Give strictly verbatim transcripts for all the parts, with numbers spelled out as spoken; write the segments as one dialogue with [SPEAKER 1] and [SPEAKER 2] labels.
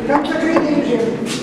[SPEAKER 1] Там закритий режим.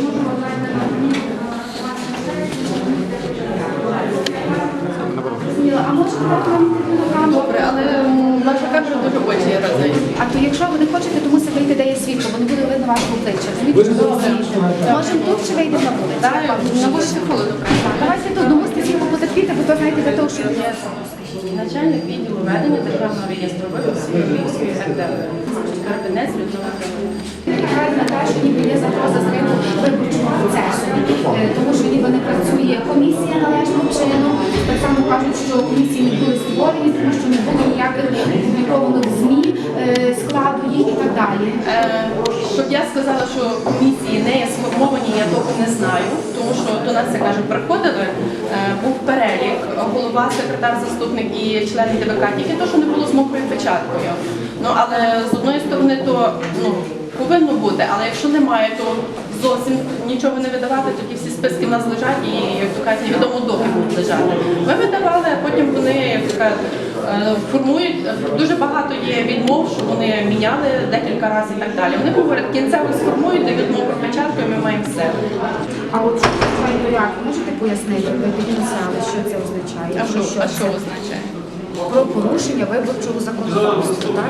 [SPEAKER 2] А може дати нам камеру?
[SPEAKER 3] Добре, але м, наша камера дуже очі разить.
[SPEAKER 2] А то якщо ви не хочете, то мусите вийти, де є світло, бо не буде видно вашого обличчя. Розумієте, що ви світло. Можемо тут чи вийдемо на вулицю?
[SPEAKER 3] Так, на вулиці холодно.
[SPEAKER 2] Давайте тут, ну мусите світло потерпіти, бо то знаєте, для того, щоб...
[SPEAKER 3] Начальник відділу ведення державного реєстру виборців Львівської РД. Карпинець Людмила Кривенко.
[SPEAKER 2] Виникає на те, що ніби є загроза зриву виборчого процесу, Е, тому що ніби не працює комісія належним чином. Так само кажуть, що комісії не були створені, тому що не було ніяких опублікованих ЗМІ е, складу їх і так далі.
[SPEAKER 3] Е, Щоб я сказала, що комісії не є сформовані, я того не знаю, тому що до нас, я кажу, приходили, е, був перелік, голова, секретар, заступник і члени ДВК, тільки то, що не було з мокрою печаткою. Ну, але з одної сторони, то ну, повинно бути, але якщо немає, то зовсім нічого не видавати, тоді всі списки в нас лежать і, як то кажуть, невідомо доки будуть лежати. Ми видавали, а потім вони, як то кажуть, е, формують, дуже багато є відмов, що вони міняли декілька разів і так далі. Вони говорять, кінцево сформують, дають мокру печатку і ми маємо все.
[SPEAKER 2] А от що це порядок, можете пояснити, ви підписали, що це означає?
[SPEAKER 3] А що, а що
[SPEAKER 2] це?
[SPEAKER 3] означає?
[SPEAKER 2] Про порушення виборчого законодавства, так?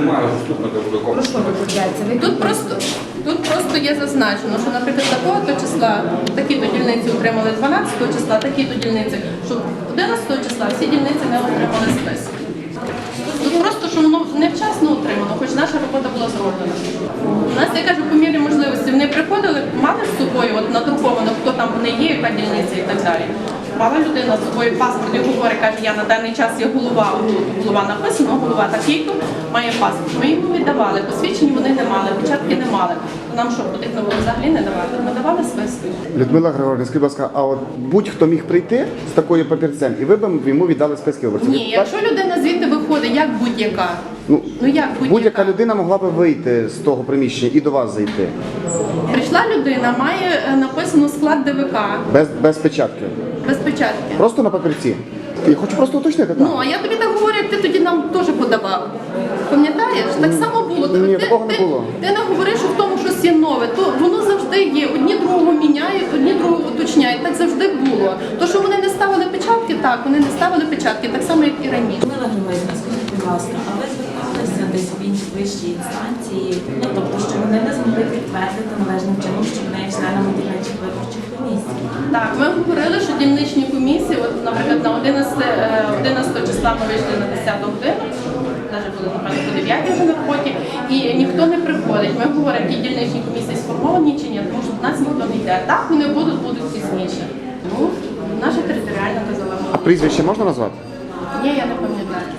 [SPEAKER 2] Про що виходить? Ви
[SPEAKER 3] Тут просто, тут просто є зазначено, що, наприклад, такого-то числа такі-то дільниці отримали дванадцятого числа, такі-то дільниці, що одинадцятого числа всі дільниці не отримали список. Тут просто, що воно невчасно отримано, хоч наша робота була зроблена. У нас, я кажу, по мірі можливості, вони приходили, мали з собою от, надруковано, хто там не є, яка дільниця і так далі. Мала людина з собою паспорт і говорить, каже, я на даний час є голова, тут голова написано, голова такий-то, має паспорт. Ми йому віддавали, посвідчень вони не мали, початки не мали. То нам що, потрібно було взагалі не давати? Ми давали списки.
[SPEAKER 4] Людмила Григорівна, скажіть, будь ласка, а от будь-хто міг прийти з такою папірцем, і ви б йому віддали списки виборців?
[SPEAKER 3] Ні, якщо людина звідти виходить, як будь-яка,
[SPEAKER 4] Ну,
[SPEAKER 3] ну як
[SPEAKER 4] будь-яка
[SPEAKER 3] будь-яка,
[SPEAKER 4] людина могла б вийти з того приміщення і до вас зайти.
[SPEAKER 3] прийшла людина, має е, написано склад ДВК,
[SPEAKER 4] Без, без печатки.
[SPEAKER 3] без печатки.
[SPEAKER 4] Просто на папірці. Я хочу просто уточнити, так.
[SPEAKER 3] Ну, а я тобі так говорю, як ти тоді нам теж подавав. Пам'ятаєш? Так само було.
[SPEAKER 4] Ні,
[SPEAKER 3] ти,
[SPEAKER 4] такого не
[SPEAKER 3] ти,
[SPEAKER 4] було.
[SPEAKER 3] Ти не говориш, що в тому щось є нове. То воно завжди є. Одні другого міняють, одні другого уточняють. Так завжди було. То, що вони не ставили печатки, так, вони не ставили печатки, так само, як і раніше.
[SPEAKER 5] Людмила Григорівна, скажіть, будь ласка, а ви зверталися десь в інші вищі інстанції, ну тобто, що вони не змогли підтвердити належним чином, що вони є членами дільничих виборчих комісій?
[SPEAKER 3] Так, ми говорили, що дільничні комісії, от, наприклад, на одинадцятого числа ми вийшли на десяту годину, навіть були, напевно, по дев'ятій вже на роботі, і ніхто не приходить. Ми говоримо, ті дільничні комісії сформовані чи ні, тому що до нас ніхто не йде. Так, вони будуть, будуть пізніше. Тому наша територіальна казала.
[SPEAKER 4] А прізвище можна назвати?
[SPEAKER 3] Ні, я не пам'ятаю.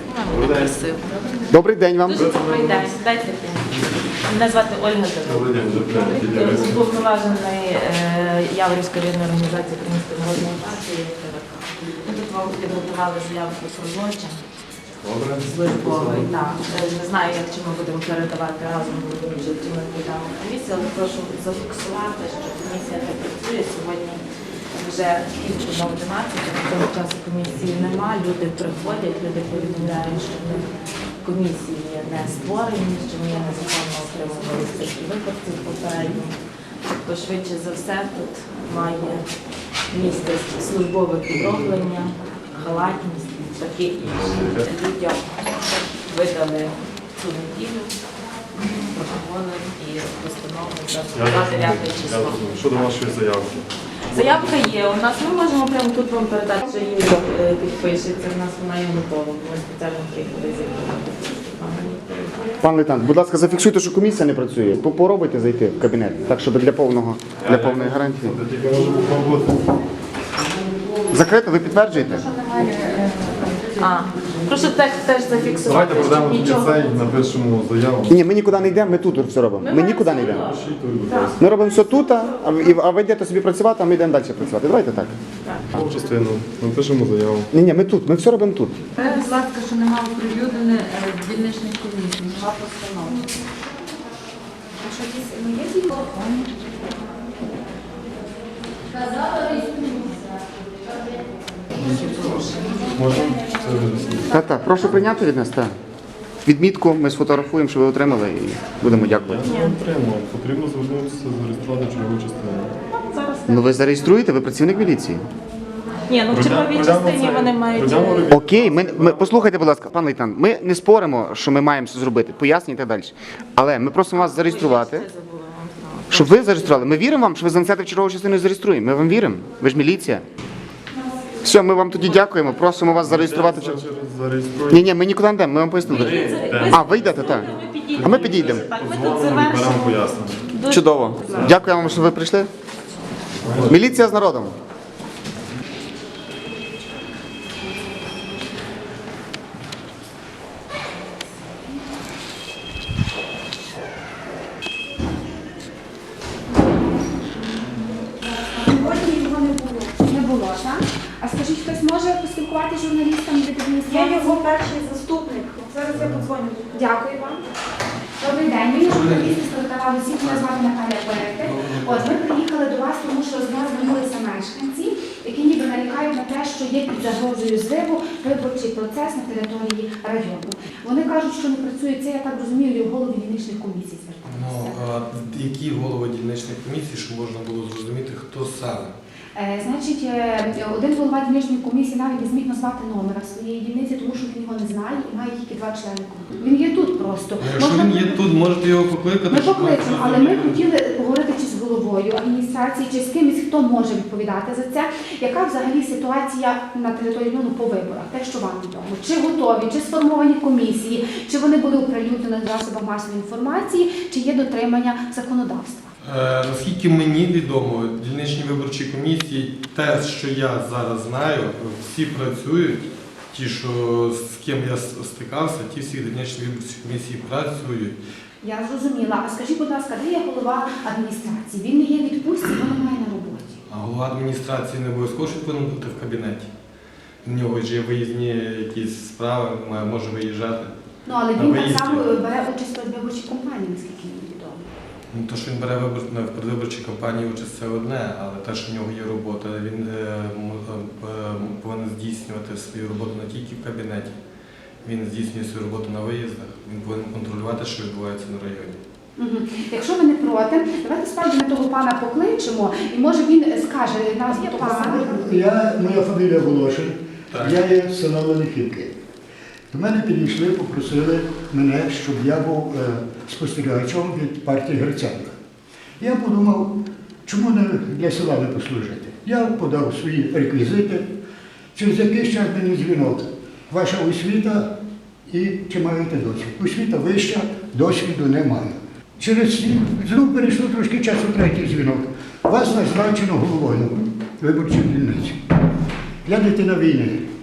[SPEAKER 4] Добрий день вам.
[SPEAKER 5] Дуже добрий день. Дайте мені. Мене звати Ольга Дорога. Уповноважений Яворівської рідної організації Української народної партії. Ми тут вам підготували заяву про злочин. Службовий, так. Не знаю, як чи ми будемо передавати разом, чи ми підемо комісію, але прошу зафіксувати, що комісія не працює сьогодні. Вже кілька на одинадцять, того часу комісії нема, люди приходять, люди повідомляють, що в них комісії не створені, що ми незаконно отримували списки виборців попередньо. Тобто, швидше за все, тут має місце службове підроблення, халатність, таке інше. Людям видали цю неділю протоколи і постанови за дев'яте число.
[SPEAKER 6] Щодо вашої заявки.
[SPEAKER 5] Заявка є, у нас ми можемо прямо тут вам передати, що її е, підпишеться, у нас вона є готова, ми спеціально приїхали зібрати.
[SPEAKER 4] Пан лейтенант, будь ласка, зафіксуйте, що комісія не працює. Попробуйте зайти в кабінет, так, щоб для повного, для повної гарантії.
[SPEAKER 6] Я тільки можу попробувати.
[SPEAKER 4] Закрито, ви підтверджуєте?
[SPEAKER 5] А, прошу теж, теж зафіксувати,
[SPEAKER 6] Давайте
[SPEAKER 5] що
[SPEAKER 6] продамо тільки
[SPEAKER 5] нічого.
[SPEAKER 6] цей, напишемо заяву.
[SPEAKER 4] Ні, ми нікуди не йдемо, ми тут все робимо. Ми нікуди не йдемо. Ми робимо все тут, а ви, а ви йдете собі працювати, а ми йдемо далі працювати. Давайте так.
[SPEAKER 6] В частину. Напишемо заяву.
[SPEAKER 4] Ні, ні, ми тут, ми все робимо тут.
[SPEAKER 7] Будь ласка, що нема оприлюднене дільничних комісій, нема постанов.
[SPEAKER 2] А що дійсно, ну є телефон?
[SPEAKER 6] Можна? Це вирішити.
[SPEAKER 4] Так, так, прошу прийняти від нас, так. відмітку, ми сфотографуємо, що ви отримали, і будемо дякувати.
[SPEAKER 6] Я не отримав. Потрібно звернутися, зареєструвати чергову частину.
[SPEAKER 5] Зараз
[SPEAKER 4] Ну ви зареєструєте, ви працівник міліції.
[SPEAKER 5] ні, ну в черговій
[SPEAKER 6] Пройдемо
[SPEAKER 5] частині
[SPEAKER 6] це.
[SPEAKER 5] вони мають.
[SPEAKER 6] Пройдемо
[SPEAKER 5] е,
[SPEAKER 6] ревізію.
[SPEAKER 4] Окей, ми, ми послухайте, будь ласка, пан лейтенант, ми не споримо, що ми маємо це зробити, пояснюйте і так далі. Але ми просимо вас зареєструвати.
[SPEAKER 5] Це забула вам сказати.
[SPEAKER 4] Щоб ви зареєстрували. Ми віримо вам, що ви занесете в чергову частину і зареєструємо. Ми вам віримо. Ви ж міліція. Все, ми вам тоді дякуємо. Просимо вас зареєструвати. в чер-
[SPEAKER 6] Через зареєструємо.
[SPEAKER 4] Ні, ні, ми нікуди не йдемо, ми вам пояснили.
[SPEAKER 5] Ви-
[SPEAKER 4] А, ви йдете, так.
[SPEAKER 5] Ми підійдемо.
[SPEAKER 4] А ми підійдемо.
[SPEAKER 5] Так, ми тут
[SPEAKER 6] Дзвонимо і беремо
[SPEAKER 5] завершимо.
[SPEAKER 6] пояснення.
[SPEAKER 4] Чудово. Дякую вам, що ви прийшли. Міліція з народом.
[SPEAKER 2] Сьогодні його не було. Не було, так? А скажіть, хтось може поспілкуватися з журналістами від
[SPEAKER 1] Я
[SPEAKER 2] адміністрації?
[SPEAKER 1] його перший заступник. Зараз я подзвоню.
[SPEAKER 2] Дякую вам. Добрий день. Мені журналісти стартували всіх, мене звати Наталя Перети. От ми приїхали до вас, тому що з нас звернулися мешканці, які ніби нарікають на те, що є під загрозою зриву виборчий процес на території району. Вони кажуть, що не працює це, я так розумію, і в голові дільничних комісій
[SPEAKER 8] Ну,
[SPEAKER 2] зверталися.
[SPEAKER 8] а які голови дільничних комісій, щоб можна було зрозуміти, хто саме?
[SPEAKER 2] Е, Значить, е, один голова дільничної комісії навіть не зміг назвати номера своєї дільниці, тому що він його не знає і має тільки два члени комісії. Він є тут просто.
[SPEAKER 8] Ну, якщо
[SPEAKER 2] Можна
[SPEAKER 8] він є
[SPEAKER 2] при-
[SPEAKER 8] тут, можете його покликати.
[SPEAKER 2] Ми
[SPEAKER 8] щоб
[SPEAKER 2] покличемо, але ми хотіли поговорити чи з головою адміністрації, чи з кимось, хто може відповідати за це. Яка взагалі ситуація на території району по виборах? Те, що вам відомо. Чи готові, чи сформовані комісії, чи вони були оприлюднені на засобах масової інформації, чи є дотримання законодавства?
[SPEAKER 8] Е, наскільки мені відомо, дільничні виборчі комісії, те, що я зараз знаю, всі працюють. Ті, що з ким я с- стикався, ті всі дільничні виборчі комісії працюють.
[SPEAKER 2] Я зрозуміла. А скажіть, будь ласка, де є голова адміністрації? Він не є в відпустці, його немає на роботі.
[SPEAKER 8] А голова адміністрації не обов'язково що повинен бути в кабінеті. У нього ж є виїзні якісь справи, має- може виїжджати.
[SPEAKER 2] Ну, але
[SPEAKER 8] На
[SPEAKER 2] він так
[SPEAKER 8] виїзді.
[SPEAKER 2] само бере участь у виборчій кампанії, наскільки мені відомо.
[SPEAKER 8] Ну, то, що він бере вибор... в передвиборчій кампанії участь, це одне, але те, що в нього є робота, він е, м- е, повинен здійснювати свою роботу не тільки в кабінеті, він здійснює свою роботу на виїздах, він повинен контролювати, що відбувається на районі.
[SPEAKER 2] Мгм. Якщо ви не проти, давайте справді ми того пана покличемо, і може він скаже назву того пана.
[SPEAKER 9] Я, моя фамілія Волошин,
[SPEAKER 8] Так.
[SPEAKER 9] я є з села Великівки. До мене підійшли, попросили мене, щоб я був е, спостерігачем від партії Гриценка. Я подумав, чому не для села не послужити. Я подав свої реквізити. Через якийсь час мені дзвінок. Ваша освіта і чи маєте досвід? Освіта вища, досвіду немає. Через знову перейшло трошки часу третій дзвінок. Вас назначено головою виборчої дільниці. Я дитина війни.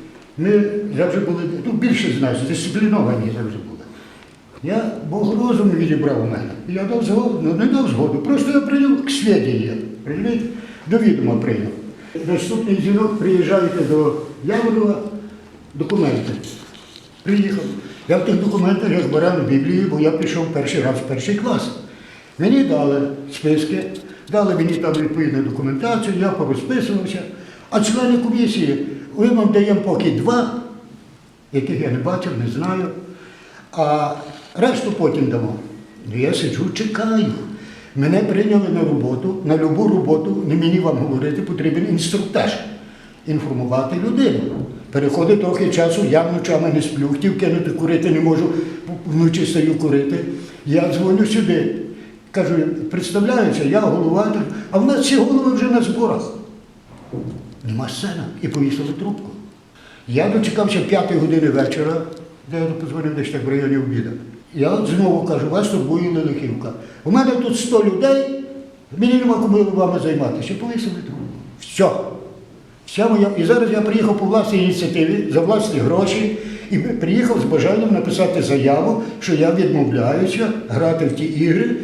[SPEAKER 9] Ми завжди були, ну більше з нас, дисципліновані завжди були. Я Бог розум відібрав у мене. Я дав згоду, ну не дав згоду, просто я прийняв к свіденню, розумієте? До відома прийняв. Наступний дзвінок, приїжджаєте до Яворова, документи. Приїхав. Я в тих документах я збирав Біблію, бо я пішов перший раз в перший клас. Мені дали списки, дали мені там відповідну документацію, я порозписувався. А члени комісії, ми вам даємо поки два, яких я не бачив, не знаю, а решту потім дамо. Ну, я сиджу, чекаю. Мене прийняли на роботу, на любу роботу, не мені вам говорити, потрібен інструктаж. Інформувати людину. Переходить трохи часу, я вночами не сплю, хотів кинути курити, не можу, вночі стаю курити. Я дзвоню сюди, кажу, представляюся, я голова, а в нас всі голови вже на зборах. Нема сцена. І повісили трубку. Я дочекався п'ятої години вечора, де я позвонив десь так в районі обіду. Я от знову кажу, вас турбує Лелихівка. У мене тут сто людей, мені нема кому вами займатися. Повісили трубку. Все. Вся моя... І зараз я приїхав по власній ініціативі, за власні гроші, і приїхав з бажанням написати заяву, що я відмовляюся грати в ті ігри,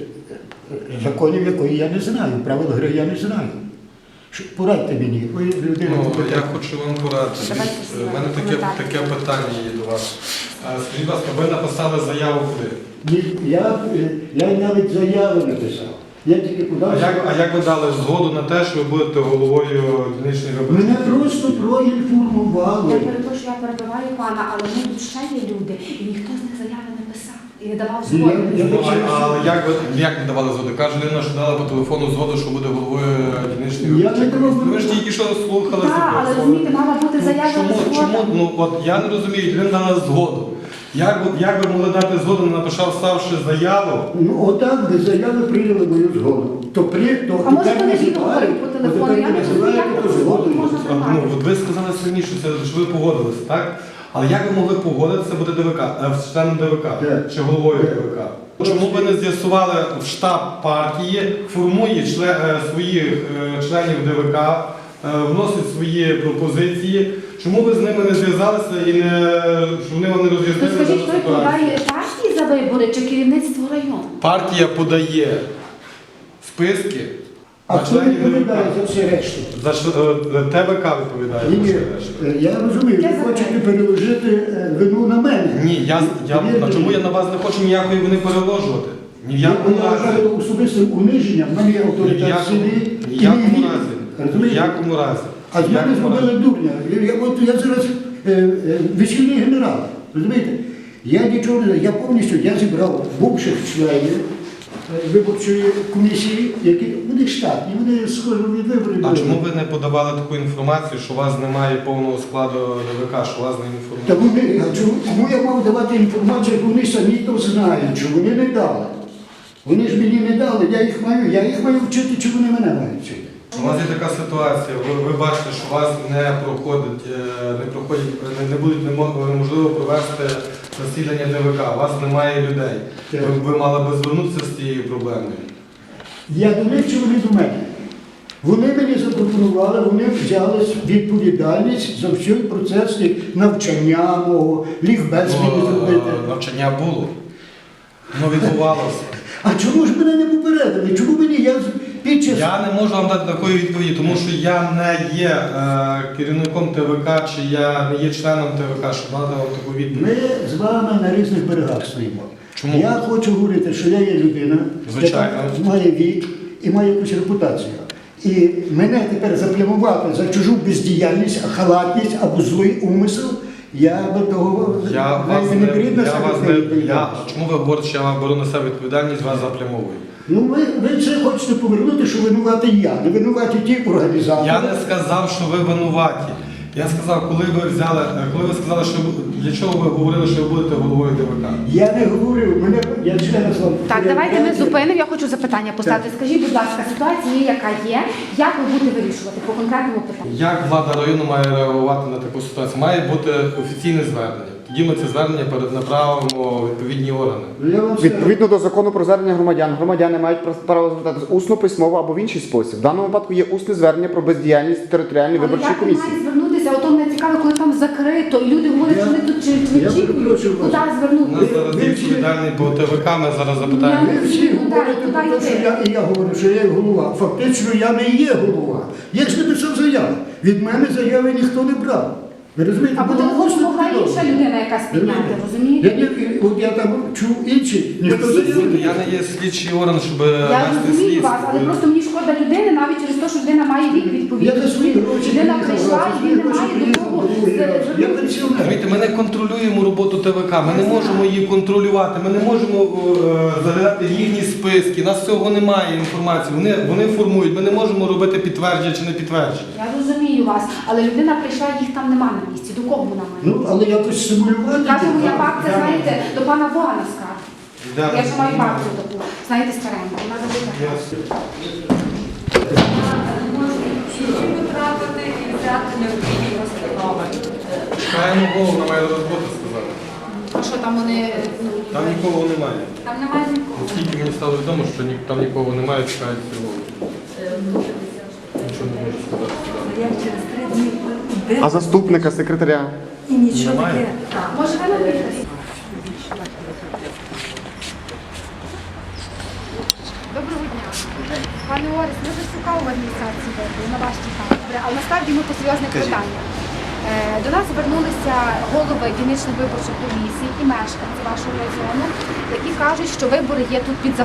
[SPEAKER 9] законів якої я не знаю, правил гри я не знаю. Що- Порадьте мені, ви людина.
[SPEAKER 8] Ну,
[SPEAKER 9] компетентна.
[SPEAKER 8] я хочу вам порадити.
[SPEAKER 2] Давайте
[SPEAKER 8] У мене таке,
[SPEAKER 2] коментар.
[SPEAKER 8] таке питання є до вас. А, Скажіть, будь ласка, ви написали заяву куди?
[SPEAKER 9] Ні, Я, е, я навіть заяви написав. Я тільки
[SPEAKER 8] А
[SPEAKER 9] подав.
[SPEAKER 8] як, а як ви дали згоду на те, що ви будете головою дільничної виборчої?
[SPEAKER 9] Мене просто
[SPEAKER 2] Я
[SPEAKER 9] проінформували.
[SPEAKER 2] перепрошую, я перебиваю пана, але ми тут ще є люди, і ніхто з них заяви не писав і не давав
[SPEAKER 9] Ні,
[SPEAKER 2] згоди.
[SPEAKER 9] я-
[SPEAKER 8] Ну, а- Але як ви як не давали згоду? Каже людина, що дала по телефону згоду, що буде головою дільничної
[SPEAKER 9] Я
[SPEAKER 8] виборчої
[SPEAKER 9] не
[SPEAKER 8] комісії.
[SPEAKER 9] давав.
[SPEAKER 8] Ну, ви ж тільки що слухали.
[SPEAKER 2] Так,
[SPEAKER 8] себе.
[SPEAKER 2] але розумієте, мала бути заява
[SPEAKER 8] Чому,
[SPEAKER 2] згода.
[SPEAKER 8] чому, ну от я не розумію, людина дала згоду. Як, ви- як ви могли дати згоду, не написав ставши заяву?
[SPEAKER 9] Ну, отак без заяви прийняли мою згоду. То при, то
[SPEAKER 2] А може
[SPEAKER 9] тепер
[SPEAKER 2] вони
[SPEAKER 9] називають,
[SPEAKER 2] відеоговорять по
[SPEAKER 9] от
[SPEAKER 2] телефону?
[SPEAKER 9] тепер
[SPEAKER 2] Я не розумію,
[SPEAKER 9] називають,
[SPEAKER 2] як
[SPEAKER 9] то
[SPEAKER 2] таку згоду
[SPEAKER 9] згодою.
[SPEAKER 2] можна
[SPEAKER 8] А, ну,
[SPEAKER 2] приймати.
[SPEAKER 8] от ви сказали самі, що, це, що ви погодилися, так? Але як ви могли погодитися бути ДВК, е, членом ДВК
[SPEAKER 9] Так.
[SPEAKER 8] чи головою
[SPEAKER 9] Так.
[SPEAKER 8] ДВК? Чому ви не з'ясували в штаб партії, формує чле, е, своїх е, членів ДВК, е, вносить свої пропозиції? Чому ви з ними не зв'язалися і не, щоб вони вам не
[SPEAKER 2] То
[SPEAKER 8] роз'яснили
[SPEAKER 2] скажіть,
[SPEAKER 8] дану
[SPEAKER 2] хто
[SPEAKER 8] ситуацію?
[SPEAKER 2] відповідає партії за вибори чи керівництво району?
[SPEAKER 8] Партія подає списки
[SPEAKER 9] А
[SPEAKER 8] на
[SPEAKER 9] хто
[SPEAKER 8] членів
[SPEAKER 9] відповідає
[SPEAKER 8] ДВК.
[SPEAKER 9] за все решту?
[SPEAKER 8] За що, е, ТВК відповідає
[SPEAKER 9] Ні,
[SPEAKER 8] за
[SPEAKER 9] ні,
[SPEAKER 8] все решта.
[SPEAKER 9] е, я розумію,
[SPEAKER 2] Я
[SPEAKER 9] ви
[SPEAKER 2] за
[SPEAKER 9] хочете
[SPEAKER 2] те.
[SPEAKER 9] переложити е, вину на мене.
[SPEAKER 8] Ні, я, я,
[SPEAKER 9] Повірте
[SPEAKER 8] на чому
[SPEAKER 9] мені.
[SPEAKER 8] я на вас не хочу ніякої вини переложувати. Ні в
[SPEAKER 9] Я
[SPEAKER 8] якому разі.
[SPEAKER 9] вважаю особистим униженням, в мене є
[SPEAKER 8] Ні в
[SPEAKER 9] авторитет в
[SPEAKER 8] якому,
[SPEAKER 9] селі.
[SPEAKER 8] ні
[SPEAKER 9] і
[SPEAKER 8] в якому
[SPEAKER 9] мій вік.
[SPEAKER 8] разі. Ні в
[SPEAKER 9] Розумієте?
[SPEAKER 8] якому разі.
[SPEAKER 9] А з
[SPEAKER 8] Ні в
[SPEAKER 9] мене
[SPEAKER 8] якому
[SPEAKER 9] зробили
[SPEAKER 8] разі.
[SPEAKER 9] дурня. Я, я, от я зараз е, е, весільний генерал. Розумієте? Я нічого не знаю. Я повністю я зібрав бувших членів е, виборчої комісії, які вони штатні, вони схожі від виборів.
[SPEAKER 8] А чому ви не подавали таку інформацію, що у вас немає повного складу ДВК, що у вас не
[SPEAKER 9] Та
[SPEAKER 8] інформують?
[SPEAKER 9] вони, а чому, кому я мав давати інформацію, як вони самі то знають, що вони не дали. Вони ж мені не дали, я їх маю, я їх маю вчити, чи вони мене мають вчити.
[SPEAKER 8] У вас є така ситуація, ви, ви бачите, що у вас не проходить, е, не проходять, не, не будуть немо- неможливо провести засідання ДВК, у вас немає людей.
[SPEAKER 9] Так.
[SPEAKER 8] Ви, ви мали би звернутися з цією проблемою.
[SPEAKER 9] Я до них чи вони до мене? Вони мені запропонували, вони взяли відповідальність за всій процес навчання мого, лікбез мені зробити.
[SPEAKER 8] Ну, е, навчання було, воно відбувалося.
[SPEAKER 9] А чому ж мене не попередили? Чому мені я з- під час...
[SPEAKER 8] Я не можу вам дати такої відповіді, тому що я не є е, керівником ТВК, чи я не є членом ТВК, щоб дати вам таку відповідь.
[SPEAKER 9] Ми з вами на різних берегах стоїмо.
[SPEAKER 8] Чому?
[SPEAKER 9] Я хочу говорити, що я є людина,
[SPEAKER 8] Звичайно.
[SPEAKER 9] яка має вік і має якусь репутацію. І мене тепер заплямувати за чужу бездіяльність, халатність або злий умисел, я до того
[SPEAKER 8] Я вас
[SPEAKER 9] навіть
[SPEAKER 8] не,
[SPEAKER 9] не беріть на
[SPEAKER 8] я
[SPEAKER 9] себе
[SPEAKER 8] вас
[SPEAKER 9] цю
[SPEAKER 8] не, я,
[SPEAKER 9] відповідальність.
[SPEAKER 8] чому ви говорите, що я вам беру на себе відповідальність, вас заплямовую?
[SPEAKER 9] Ну ви, ви це хочете повернути, що винуватий я, не винуваті ті організатори.
[SPEAKER 8] Я не сказав, що ви винуваті. Я сказав, коли ви взяли, е, коли ви сказали, що ви- для чого ви говорили, що ви будете головою ДВК?
[SPEAKER 9] Я не говорив, мене я ще раз вам
[SPEAKER 2] Так, давайте ми зупинимо. Я хочу запитання поставити. Скажіть, будь ласка, ситуація є, яка є. Як ви будете вирішувати по конкретному питанню?
[SPEAKER 8] Як влада району має реагувати на таку ситуацію? Має бути офіційне звернення. Тоді ми це звернення перенаправимо у відповідні органи.
[SPEAKER 9] Я вам скажу.
[SPEAKER 4] Відповідно до закону про звернення громадян, громадяни мають право звертатися усно, письмово або в інший спосіб. В даному випадку є усне звернення про бездіяльність територіальної
[SPEAKER 2] Але
[SPEAKER 4] виборчої
[SPEAKER 2] як ви маєте
[SPEAKER 4] комісії.
[SPEAKER 2] звернутися? Ото мене цікаво, коли там закрито, і люди говорять,
[SPEAKER 9] Я-
[SPEAKER 2] що вони тут чи
[SPEAKER 9] я
[SPEAKER 2] очікують,
[SPEAKER 9] перепрошую вас.
[SPEAKER 2] куди
[SPEAKER 8] У нас
[SPEAKER 2] звернутися.
[SPEAKER 8] зараз є відповідальний по ТВК, ми зараз
[SPEAKER 2] Я-
[SPEAKER 8] запитаємо.
[SPEAKER 9] Ви всі говорите
[SPEAKER 2] Туди
[SPEAKER 9] про те, що
[SPEAKER 2] йти.
[SPEAKER 9] я, і я говорю, що я є голова. Фактично я не є голова. Я ж написав заяву. Від мене заяви ніхто не брав. Ви розумієте?
[SPEAKER 2] А по
[SPEAKER 9] Було
[SPEAKER 2] телефону
[SPEAKER 9] просто
[SPEAKER 2] могла інша
[SPEAKER 9] повідомлення.
[SPEAKER 2] людина якась підняти,
[SPEAKER 9] Я,
[SPEAKER 2] розумієте?
[SPEAKER 9] не- от я там чув інші, ніхто
[SPEAKER 2] всі
[SPEAKER 9] заяви не
[SPEAKER 8] Я не є слідчий орган, щоб
[SPEAKER 2] Я
[SPEAKER 8] вести
[SPEAKER 2] розумію
[SPEAKER 8] слідство.
[SPEAKER 2] вас, але просто мені шкода людини, навіть через те, що людина має вік відповідний.
[SPEAKER 9] Я за свої гроші
[SPEAKER 2] Людина
[SPEAKER 9] приїхав,
[SPEAKER 2] прийшла
[SPEAKER 9] за
[SPEAKER 2] і
[SPEAKER 9] свої
[SPEAKER 2] він не
[SPEAKER 9] гроші
[SPEAKER 2] має до
[SPEAKER 9] приїхав
[SPEAKER 2] того
[SPEAKER 9] другий раз. Я пенсіонер.
[SPEAKER 8] Розумієте, ми не контролюємо роботу ТВК, ми не можемо її контролювати, ми не можемо е, заглядати в їхні списки, у нас цього немає інформації, вони, вони формують, ми не можемо робити підтвердження чи не підтвердження.
[SPEAKER 2] Я розумію вас, але людина прийшла, їх там нема на місці. До кого вона має?
[SPEAKER 9] Ну, але якось симулювати.
[SPEAKER 2] Каже, моя
[SPEAKER 9] я-
[SPEAKER 2] бабця,
[SPEAKER 9] я-
[SPEAKER 2] знаєте, до пана Богана скаже.
[SPEAKER 8] Йдемо.
[SPEAKER 2] Я ж маю бабцю таку, знаєте, стареньку, вона забита.
[SPEAKER 7] Чи потрапити і взяти необхідні постанови?
[SPEAKER 8] Чекаємо голову, вона має роботу сказати.
[SPEAKER 2] А що там вони, ну,
[SPEAKER 8] Там нікого немає.
[SPEAKER 7] Там немає нікого.
[SPEAKER 8] Оскільки мені стало відомо, що ні- там нікого немає, чекають голову. Нічого не можу сказати.
[SPEAKER 1] Я через три дні
[SPEAKER 4] А заступника, секретаря?
[SPEAKER 1] і нічого
[SPEAKER 8] Немає?
[SPEAKER 1] таке.
[SPEAKER 2] може ви напишете? Доброго дня. Пане Орес, ми вже шукали в адміністрації виборів, на вас чекали. Добре, але насправді ми по серйозних
[SPEAKER 4] Кажіть.
[SPEAKER 2] питаннях. Е, До нас звернулися голови дільничних виборчих комісій і мешканці вашого району, які кажуть, що вибори є тут під загрозою.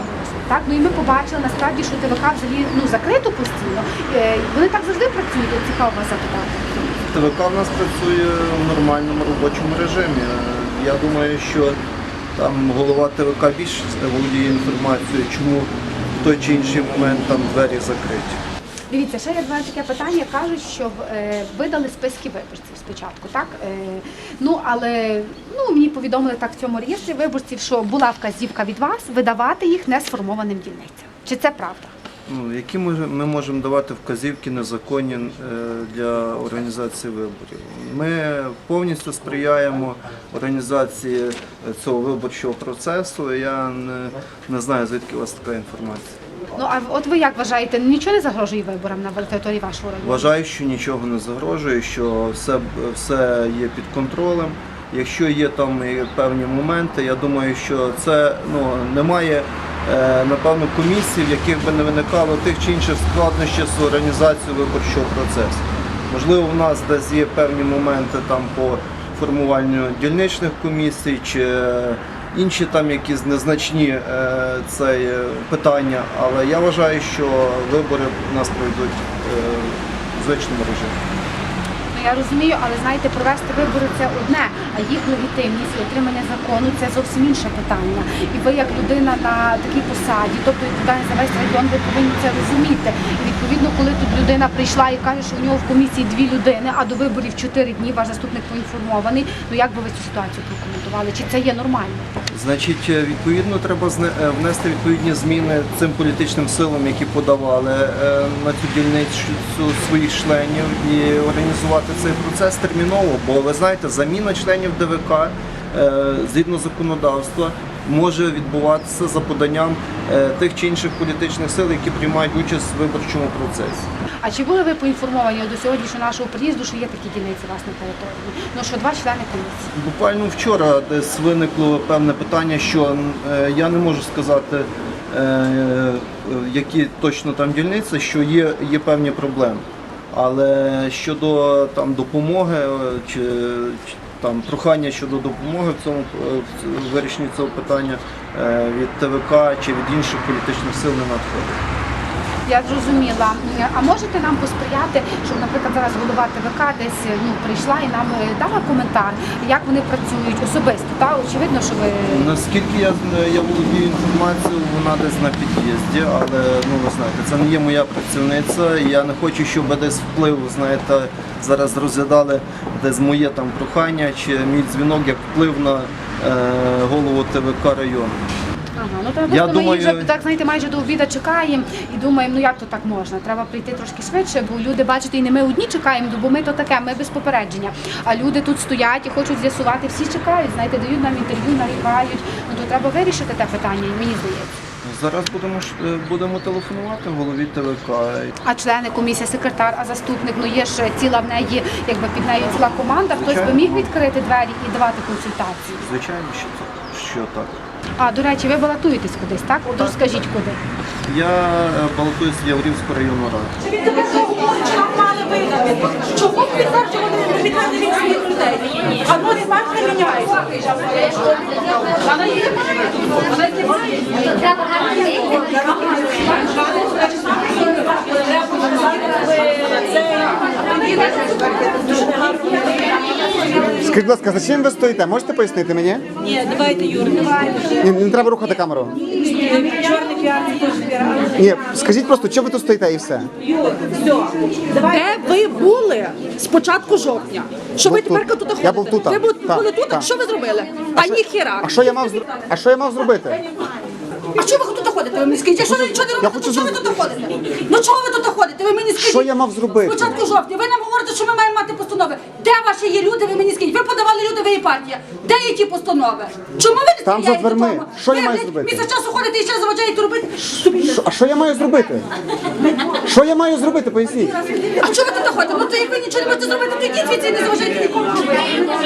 [SPEAKER 2] так? Ну і ми побачили насправді, що ТВК взагалі ну, закрито постійно. Е, Вони так завжди працюють, от цікаво вас запитати.
[SPEAKER 10] ТВК в нас працює в нормальному робочому режимі. Я думаю, що там голова ТВК більше володіє інформацією, чому в той чи інший момент там двері закриті.
[SPEAKER 2] Дивіться, ще є два таке питання. Кажуть, що е, видали списки виборців спочатку, так? Е, ну, але ну, мені повідомили так в цьому реєстрі виборців, що була вказівка від вас видавати їх несформованим дільницям. Чи це правда?
[SPEAKER 10] Ну, які ми, ми можемо давати вказівки незаконні е, для організації виборів? Ми повністю сприяємо організації цього виборчого процесу. Я не, не знаю, звідки у вас така інформація.
[SPEAKER 2] Ну, а от ви як вважаєте, нічого не загрожує виборам на території вашого району?
[SPEAKER 10] Вважаю, що нічого не загрожує, що все, все є під контролем. Якщо є там і певні моменти, я думаю, що це ну, немає, е, напевно, комісій, в яких би не виникало тих чи інших складнощів з організацією виборчого процесу. Можливо, в нас десь є певні моменти там по формуванню дільничних комісій чи інші там якісь незначні е, це питання, але я вважаю, що вибори у нас пройдуть е, в звичному режимі.
[SPEAKER 2] Ну, я розумію, але знаєте, провести вибори це одне, а їх легітимність і отримання закону це зовсім інше питання. І ви як людина на такій посаді, тобто відповідальність за весь район, ви повинні це розуміти. І відповідно, коли тут людина прийшла і каже, що у нього в комісії дві людини, а до виборів чотири дні, ваш заступник поінформований, ну як би ви цю ситуацію прокоментували? Чи це є нормально?
[SPEAKER 10] Значить, відповідно, треба внести відповідні зміни цим політичним силам, які подавали на цю дільницю своїх членів, і організувати цей процес терміново, бо ви знаєте, заміна членів ДВК згідно законодавства може відбуватися за поданням тих чи інших політичних сил, які приймають участь в виборчому процесі.
[SPEAKER 2] А чи були ви поінформовані до сьогоднішнього нашого приїзду, що є такі дільниці у вас на території? Ну що два члени комісії?
[SPEAKER 10] Буквально вчора десь виникло певне питання, що я не можу сказати, які точно там дільниці, що є, є певні проблеми. Але щодо там допомоги чи, чи там прохання щодо допомоги в цьому в вирішенні цього питання від ТВК чи від інших політичних сил не надходить.
[SPEAKER 2] Я зрозуміла. А можете нам посприяти, щоб, наприклад, зараз голова ТВК десь ну, прийшла і нам дала коментар, як вони працюють особисто? Та? Очевидно, що ви...
[SPEAKER 10] Наскільки я, я володію інформацією, вона десь на під'їзді, але ну, ви знаєте, це не є моя працівниця. Я не хочу, щоб десь вплив, знаєте, зараз розглядали десь моє там прохання чи мій дзвінок як вплив на е, голову ТВК району.
[SPEAKER 2] Ага, ну треба
[SPEAKER 10] Я
[SPEAKER 2] просто
[SPEAKER 10] думаю...
[SPEAKER 2] ми вже так, знаєте, майже до обіду чекаємо і думаємо, ну як то так можна? Треба прийти трошки швидше, бо люди, бачите, і не ми одні чекаємо, бо ми то таке, ми без попередження. А люди тут стоять і хочуть з'ясувати, всі чекають, знаєте, дають нам інтерв'ю, нарікають. Ну то треба вирішити те питання, мені здається.
[SPEAKER 10] Зараз будемо будемо телефонувати голові ТВК.
[SPEAKER 2] А члени комісії, секретар, а заступник, ну є ж ціла в неї, якби під нею ціла команда, хтось би міг відкрити двері і давати консультації?
[SPEAKER 10] Звичайно, що, що так.
[SPEAKER 2] А, до речі, ви балотуєтесь кудись, так? От розкажіть, куди.
[SPEAKER 10] Я балотуюсь в Яворівську районну раду.
[SPEAKER 1] Чому підтверджували відповідальні від своїх людей? А ну не бачите, міняється. Вона є. Вона знімає.
[SPEAKER 4] Скажіть, будь ласка, за чим ви стоїте? Можете пояснити мені?
[SPEAKER 1] Ні, давайте, Юр,
[SPEAKER 4] Ні, не треба рухати камеру.
[SPEAKER 1] чорний піар, це теж піар.
[SPEAKER 4] Ні, скажіть просто, чого ви тут стоїте і все.
[SPEAKER 1] Юр, все. Де ви були з початку жовтня? Що ви
[SPEAKER 4] Був тут.
[SPEAKER 1] тепер тут ходите?
[SPEAKER 4] Я був тут.
[SPEAKER 1] Ви бу-
[SPEAKER 4] Так,
[SPEAKER 1] були тут?
[SPEAKER 4] так.
[SPEAKER 1] Що ви зробили? А ніхіра.
[SPEAKER 4] А що я мав зр- А що я мав зробити?
[SPEAKER 1] А чого ви тут ходите? Ви мені скажіть, якщо ви нічого не робите,
[SPEAKER 4] хочу
[SPEAKER 1] то чого ви
[SPEAKER 4] зробити.
[SPEAKER 1] тут ходите? Ну чого ви тут ходите? Ви мені скажіть.
[SPEAKER 4] Що я мав зробити?
[SPEAKER 1] Спочатку жовтня. Ви нам говорите, що ми маємо мати постанови. Де ваші є люди, ви мені скажіть? Ви подавали людові партії. Де є ті постанови? Чому ви не
[SPEAKER 4] Там за
[SPEAKER 1] сприяєте
[SPEAKER 4] дверми.
[SPEAKER 1] тому?
[SPEAKER 4] Що я
[SPEAKER 1] Ви,
[SPEAKER 4] маю
[SPEAKER 1] блядь,
[SPEAKER 4] зробити?
[SPEAKER 1] Місяць часу ходите і ще заважаєте робити.
[SPEAKER 4] Що- А що я маю зробити? Що я маю зробити, поясніть?
[SPEAKER 1] А чого ви тут ходите? Ну то як ви нічого не можете зробити, то йдіть звідси і не заважайте нікому робити.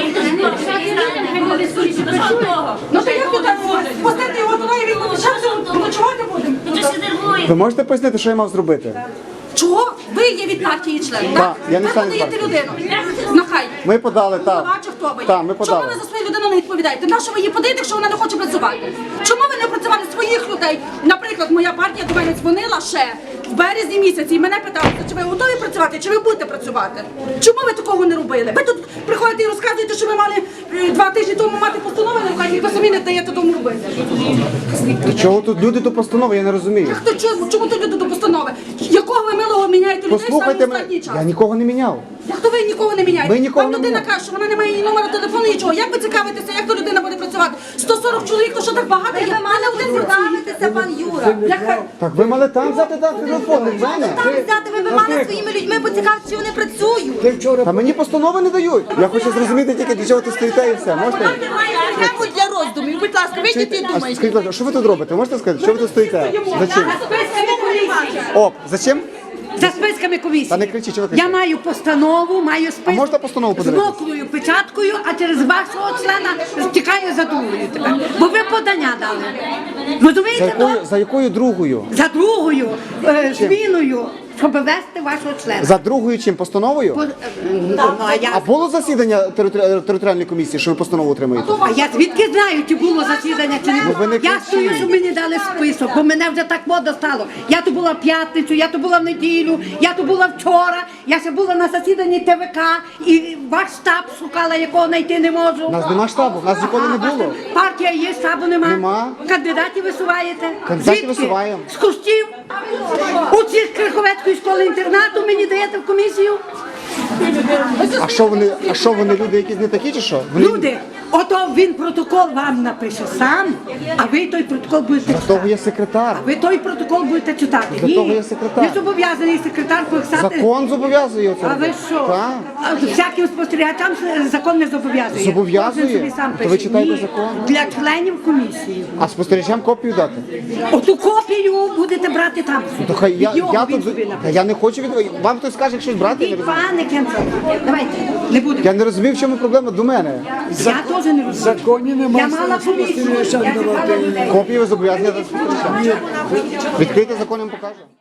[SPEAKER 1] Ну то як тут так пустити його туди і він буде часом ночувати будемо?
[SPEAKER 4] Ви можете пояснити, що я мав зробити?
[SPEAKER 1] Чого? Ви є від партії член,
[SPEAKER 4] Так,
[SPEAKER 1] так?
[SPEAKER 4] я не
[SPEAKER 1] Ви
[SPEAKER 4] член
[SPEAKER 1] подаєте
[SPEAKER 4] партії.
[SPEAKER 1] людину. Нахай.
[SPEAKER 4] Ми подали, так.
[SPEAKER 1] Голова чи хто ви є?
[SPEAKER 4] Так, ми подали.
[SPEAKER 1] Чому ви за свою людину не відповідаєте? На що ви її подаєте, якщо вона не хоче працювати? Чому ви не працюєте? працювали своїх людей. Наприклад, моя партія до мене дзвонила ще в березні місяці і мене питали, чи ви готові працювати, чи ви будете працювати? Чому ви такого не робили? Ви тут приходите і розказуєте, що ви мали е, два тижні тому мати постанови на руках, і ви самі не даєте тому робити.
[SPEAKER 4] До чого тут люди до постанови, я не розумію.
[SPEAKER 1] Хто чому, чому тут люди до постанови? Якого ви милого міняєте людей саме
[SPEAKER 4] Послухайте
[SPEAKER 1] в останній
[SPEAKER 4] мене,
[SPEAKER 1] час?
[SPEAKER 4] я нікого не міняв.
[SPEAKER 1] Як то ви нікого не міняєте?
[SPEAKER 4] Ми нікого
[SPEAKER 1] Вам
[SPEAKER 4] не
[SPEAKER 1] людина
[SPEAKER 4] міняємо.
[SPEAKER 1] каже, що вона не має ні номера телефону, нічого. Як ви цікавитеся, як то людина буде працювати? сто сорок чоловік, то що так багато?
[SPEAKER 7] Ви мали один представитися, пан Юра.
[SPEAKER 1] Як ви-
[SPEAKER 4] Так ви мали там взяти так телефон, не в мене.
[SPEAKER 7] Там взяти, ви, ви мали своїми людьми поцікавитися, чи вони працюють.
[SPEAKER 4] Та мені постанови не дають. Я хочу зрозуміти тільки, для чого ти стоїте і все. Можете?
[SPEAKER 1] Тему для роздумів, будь ласка, вийдіть і
[SPEAKER 4] А
[SPEAKER 1] думайте.
[SPEAKER 4] скажіть, будь ласка, що ви тут робите? Можете сказати, що ви тут стоїте? За чим? О, за чим?
[SPEAKER 11] За списками комісії.
[SPEAKER 4] Та не кричіть, чого ви
[SPEAKER 11] Я
[SPEAKER 4] кричите?
[SPEAKER 11] маю постанову, маю список.
[SPEAKER 4] А можна постанову
[SPEAKER 11] з
[SPEAKER 4] подивитися?
[SPEAKER 11] мокрою печаткою, а через вашого члена стікає за другою тепер. Бо ви подання дали.
[SPEAKER 4] За
[SPEAKER 11] Розумієте?
[SPEAKER 4] якою,
[SPEAKER 11] ну?
[SPEAKER 4] за якою другою?
[SPEAKER 11] За другою е, зміною, щоб вести вашого члена.
[SPEAKER 4] За другою чим? Постановою?
[SPEAKER 11] По- е, ну, а, я,
[SPEAKER 4] А було засідання територи- територіальної комісії, що ви постанову отримуєте?
[SPEAKER 11] а я звідки знаю, чи було засідання, чи не
[SPEAKER 4] Ну, ви
[SPEAKER 11] було.
[SPEAKER 4] не
[SPEAKER 11] Я
[SPEAKER 4] кричіть.
[SPEAKER 11] стою, щоб мені дали список, бо мене вже так мода стало. Я то була в п'ятницю, я то була в неділю, я то була вчора, я ще була на засіданні Т В К, і ваш штаб шукала, якого знайти не можу.
[SPEAKER 4] У нас нема штабу, у нас ніколи не було.
[SPEAKER 11] Партія є, штабу нема.
[SPEAKER 4] Нема.
[SPEAKER 11] Кандидатів висуваєте.
[SPEAKER 4] Кандидатів
[SPEAKER 11] Звідки?
[SPEAKER 4] висуваємо.
[SPEAKER 11] З кущів. У цій Криховецької школи інтернату мені даєте в комісію.
[SPEAKER 4] А що вони, а що вони люди якісь не такі чи що? Вони-
[SPEAKER 11] Люди, ото він протокол вам напише сам, а ви той протокол будете
[SPEAKER 4] Для того
[SPEAKER 11] читати.
[SPEAKER 4] є секретар.
[SPEAKER 11] Ви той протокол будете читати.
[SPEAKER 4] Для
[SPEAKER 11] Ні.
[SPEAKER 4] того є секретар.
[SPEAKER 11] Не зобов'язаний секретар писати.
[SPEAKER 4] Закон зобов'язує це.
[SPEAKER 11] А ви
[SPEAKER 4] робити.
[SPEAKER 11] що?
[SPEAKER 4] Так.
[SPEAKER 11] А всяким спостерігачам закон не зобов'язує.
[SPEAKER 4] Зобов'язує?
[SPEAKER 11] Кожен собі сам
[SPEAKER 4] То
[SPEAKER 11] пише.
[SPEAKER 4] ви читаєте
[SPEAKER 11] Ні.
[SPEAKER 4] закон?
[SPEAKER 11] Для членів комісії.
[SPEAKER 4] А спостерігачам копію дати?
[SPEAKER 11] Оту копію будете брати там.
[SPEAKER 4] То хай я,
[SPEAKER 11] Його
[SPEAKER 4] я
[SPEAKER 11] він
[SPEAKER 4] тут
[SPEAKER 11] собі
[SPEAKER 4] та
[SPEAKER 11] напише.
[SPEAKER 4] я не хочу від вам хтось скаже щось брати, я не
[SPEAKER 11] Ні,
[SPEAKER 4] розумію.
[SPEAKER 11] пане Кенцов, давайте, не будемо.
[SPEAKER 4] Я не розумію, в чому проблема до мене.
[SPEAKER 11] Я теж не розумію.
[SPEAKER 9] законі немає
[SPEAKER 11] Я мала комісію, я чекала людей.
[SPEAKER 4] Копію ви зобов'язані дати спостерігачам. Відкрийте закон, я вам покажу.